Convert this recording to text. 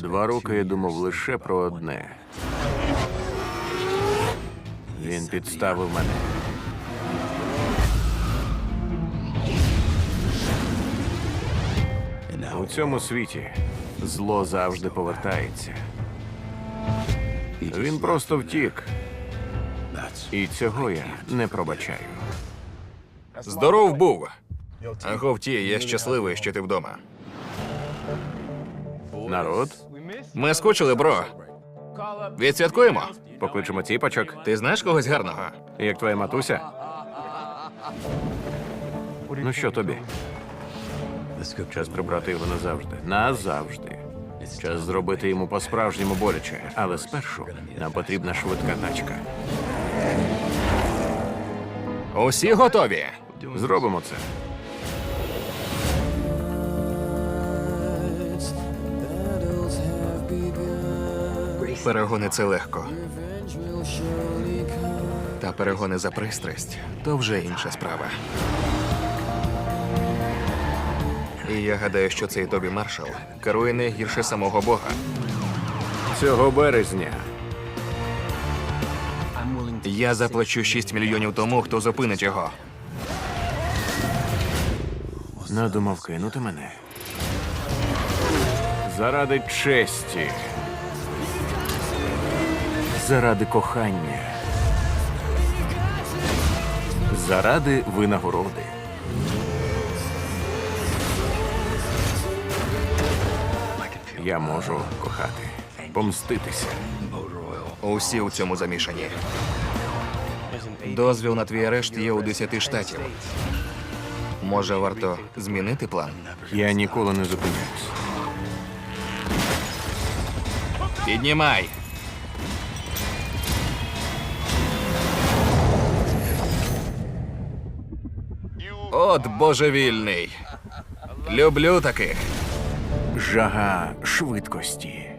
2 роки я думав лише про одне. Він підставив мене. У цьому світі зло завжди повертається. Він просто втік. І цього я не пробачаю. Здоров був. Говті, я щасливий, що ти вдома. Народ, Ми скучили, бро. Відсвяткуємо. покличемо ціпочок. Ти знаєш когось гарного? Як твоя матуся? Ну що тобі? Час прибрати його назавжди. Назавжди. Час зробити йому по-справжньому боляче. Але спершу нам потрібна швидка тачка. Усі готові? Зробимо це. Перегони – це легко. Та перегони за пристрасть – то вже інша справа. І я гадаю, що цей Тобі Маршал керує не гірше самого Бога. Цього березня Я заплачу 6 мільйонів тому, хто зупинить його. надумав кинути мене. Заради честі. Заради кохання. Заради винагороди. Я можу кохати, помститися. Усі у цьому замішані. Дозвіл на твій арешт є у 10 штатів. Може, варто змінити план? Я ніколи не зупиняюсь. Піднімай! От божевільний. Люблю таких. Жага швидкості.